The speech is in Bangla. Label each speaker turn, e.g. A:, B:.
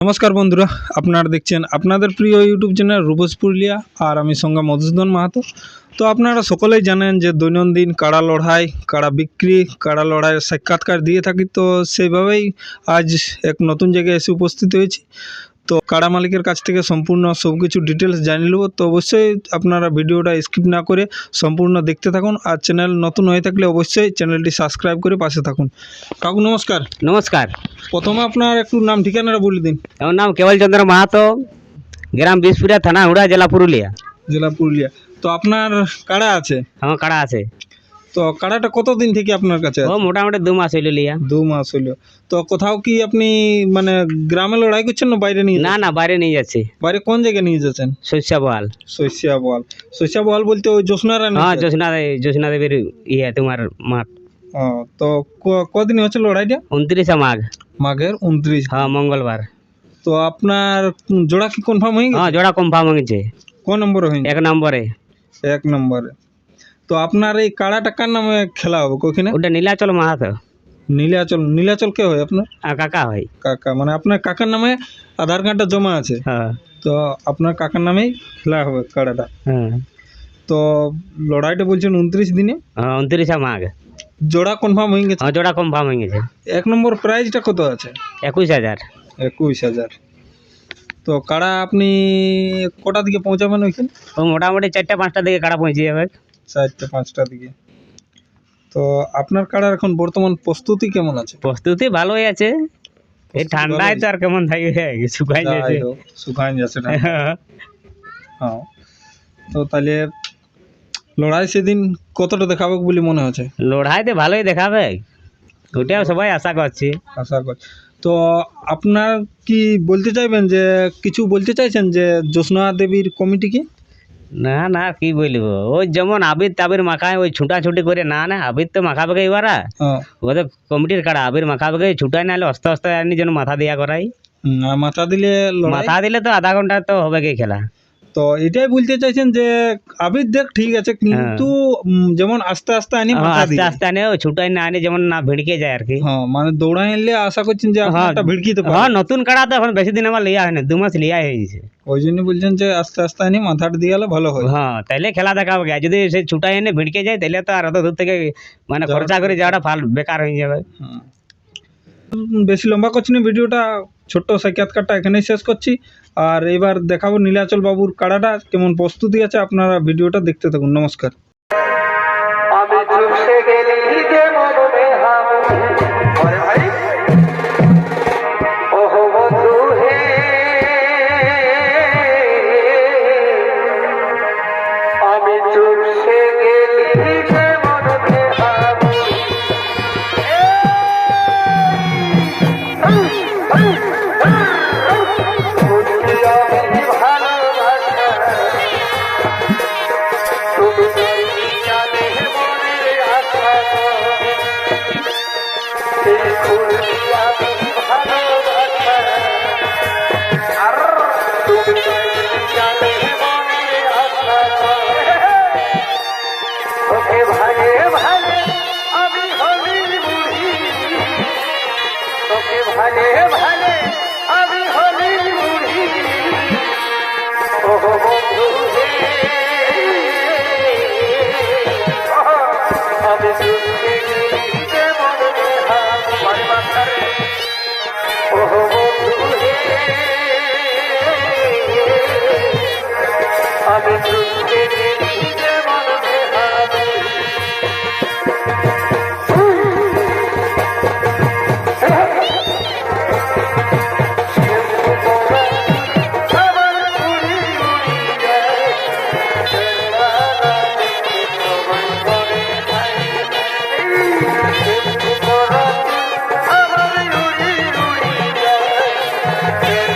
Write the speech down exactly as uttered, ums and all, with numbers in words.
A: নমস্কার বন্ধুরা, আপনারা দেখছেন আপনাদের প্রিয় ইউটিউব চ্যানেল রূপস পুরুলিয়া, আর আমি সঙ্গে মধুসূদন মাহাতো। তো আপনারা সকলেই জানেন যে দৈনন্দিন কাড়া লড়াই, কাড়া বিক্রি, কাড়া লড়াইয়ের সাক্ষাৎকার দিয়ে থাকি। তো সেইভাবেই আজ এক নতুন জায়গায় এসে উপস্থিত হয়েছি। তো কাড়া মালিকের কাছ থেকে সম্পূর্ণ সব কিছু ডিটেলস জানিয়ে নেব। তো অবশ্যই আপনারা ভিডিওটা স্কিপ না করে সম্পূর্ণ দেখতে থাকুন, আর চ্যানেল নতুন হয়ে থাকলে অবশ্যই চ্যানেলটি সাবস্ক্রাইব করে পাশে থাকুন। কাকু নমস্কার।
B: নমস্কার।
A: প্রথমে আপনার একটু নাম ঠিকানাটা বলে দিন।
B: আমার নাম কেবলচন্দ্র মাহাতো, গ্রাম বিশপুরিয়া, থানা হুড়া, জেলা পুরুলিয়া।
A: জেলা পুরুলিয়া। তো আপনার কাড়া আছে?
B: আমার কাড়া আছে।
A: তো কাড়াটা কতদিন থেকে আপনার কাছে
B: ও
A: আছে?
B: মোটামুটি দু মাস হইল লিয়া।
A: দু মাস হইলো। তো কোথাও কি আপনি মানে গ্রামে লড়াই করছেন না বাইরে নিয়ে?
B: না না, বাইরে নিয়ে যাচ্ছি।
A: বাইরে কোন জায়গায় নিয়ে যাচ্ছেন?
B: শস্যা বহাল।
A: শস্যা বল। শস্যা বল বলতে ওই জ্যোৎস্নারা?
B: হ্যাঁ, জ্যোৎস্না জ্যোৎস্না দেবীর ইয়ে তোমার মাঠ।
A: ও, তো ক- কদিন হচ্ছে লড়াইটা?
B: উনত্রিশে মাঘ।
A: মাঘের উনত্রিশ।
B: হ্যাঁ, মঙ্গলবার।
A: তো আপনার জোড়া কি কনফার্ম হয়ে গেছে?
B: হ্যাঁ, জোড়া কনফার্ম হয়েছে।
A: কোন নম্বরে হয়নি?
B: এক নম্বরে।
A: এক নম্বরে। তো আপনার এই কাড়াটা কার নামে খেলা হবে কোকিনে?
B: ওটা নীলাচল মাহাতো।
A: নীলাচল। নীলাচল কে হয় আপনার?
B: আর কাকা হয়।
A: কাকা, মানে আপনার কাকার নামে আধার কার্ডটা জমা আছে?
B: হ্যাঁ
A: তো আপনার কাকার নামেই খেলা হবে কাড়াটা।
B: হ্যাঁ
A: তো লড়াইটা বলছেন উনত্রিশ দিনে?
B: হ্যাঁ, উনত্রিশে মাঘ।
A: জোড়া কনফার্ম হয়ে গেছে?
B: হ্যাঁ, জোড়া কনফার্ম হয়ে গেছে।
A: এক নম্বর প্রাইজটা কত আছে?
B: একুশ হাজার।
A: একুশ হাজার। তো কাড়া আপনি কটা দিকে পৌঁছাবেন ওইখানে?
B: ও মোটামুটি চারটা পাঁচটা দিকে কাড়া পৌঁছে যাবে।
A: চারটে পাঁচটা দিকে। তো আপনার কাড়ার এখন বর্তমান প্রস্তুতি কেমন আছে?
B: প্রস্তুতি ভালোই আছে। এই ঠান্ডায় তো আর কেমন থাকবে, শুকাই যাচ্ছে।
A: যাই হোক, শুকায় যাচ্ছে না। হ্যাঁ। তো তাহলে লড়াই সেদিন কতটা দেখাবে বলে মনে হচ্ছে?
B: লড়াইতে ভালোই দেখাবে, ওটাও সবাই আশা করছি।
A: আশা করি। তো আপনার কি বলতে চাইবেন, যে কিছু বলতে চাইছেন যে জ্যোৎস্না দেবীর কমিটি কি?
B: না না, কি বলবো, ওই যেমন আবির তাবির মাখায়, ওই ছুটাছুটি করে না না, আবির তো মাখাবে এবারা।
A: হ্যাঁ।
B: ওদের কমিটির কাড়া আবির মাখাবে, ছুটাই নাহলে অস্তে অস্তে আনি যেন মাথা দিয়া করাই।
A: হুম, আর মাথা দিলে লড়াই?
B: মাথা দিলে তো আধা ঘন্টা তো হবে কি খেলা।
A: তো এটাই বলতে চাইছেন যে আবির দেখ ঠিক আছে, কিন্তু উম, যেমন আস্তে আস্তে আনি
B: হ্যাঁ,
A: মাথা
B: আস্তে
A: দিলে।
B: আস্তে আনে, ওই ছুটাই না আনি যেমন না ভিড়কে যায় আর কি।
A: হ্যাঁ, মানে দৌড়াই এলে আশা করছেন যে
B: হ্যাঁ।
A: আপনারটা ভিড়কিতে পারে।
B: হ্যাঁ, নতুন কাড়া তো এখন বেশি দিন আমার লিয়া হয়নি, দু মাস লিয়া হয়ে গেছে।
A: ওই জন্য বলছেন যে আস্তে আস্তে আনি মাথাটা দিয়ে গেলে ভালো হয়।
B: হ্যাঁ, তাইলে খেলা দেখাবো গে। যদি সে ছুটাই এনে ভিড়কে যায় তাহলে তো আর অত দূর থেকে মানে খরচা করে যাওয়াটা ফাল বেকার হয়ে যাবে।
A: হুম। উম, বেশি লম্বা করছি না ভিডিওটা, ছোট্ট সাক্ষাৎকারটা এখানেই শেষ করছি। আর এবার দেখাবো নীলাচল বাবুর কাড়াটা কেমন প্রস্তুতি আছে, আপনারা ভিডিওটা দেখতে থাকুন। নমস্কার।
C: আমি চুপসে গেলি যে মরণে হামে ওরে ভাই ওহো বন্ধু হে আমি চুপসে গেলি যে মরণে হামে বুঝলি আমি ভালোবাসা তুমি জানে মনের আশা দেখুলি আমি ভালোবাসা আর তুমি জানে মনের আশা ওকে ভাগে ভাগে আমি হলি বুড়ি ওকে ভাগে ভাগে আমি হলি বুড়ি ওহো বন্ধু হে আমি চুপকে গেলি যে মরণে হামে বাড়ি মাথারে ওহো বন্ধু হে আমি চুপকে গেলি যে মরণে হামে আমার উড়ি উড়ি যায় আমার উড়ি উড়ি যায়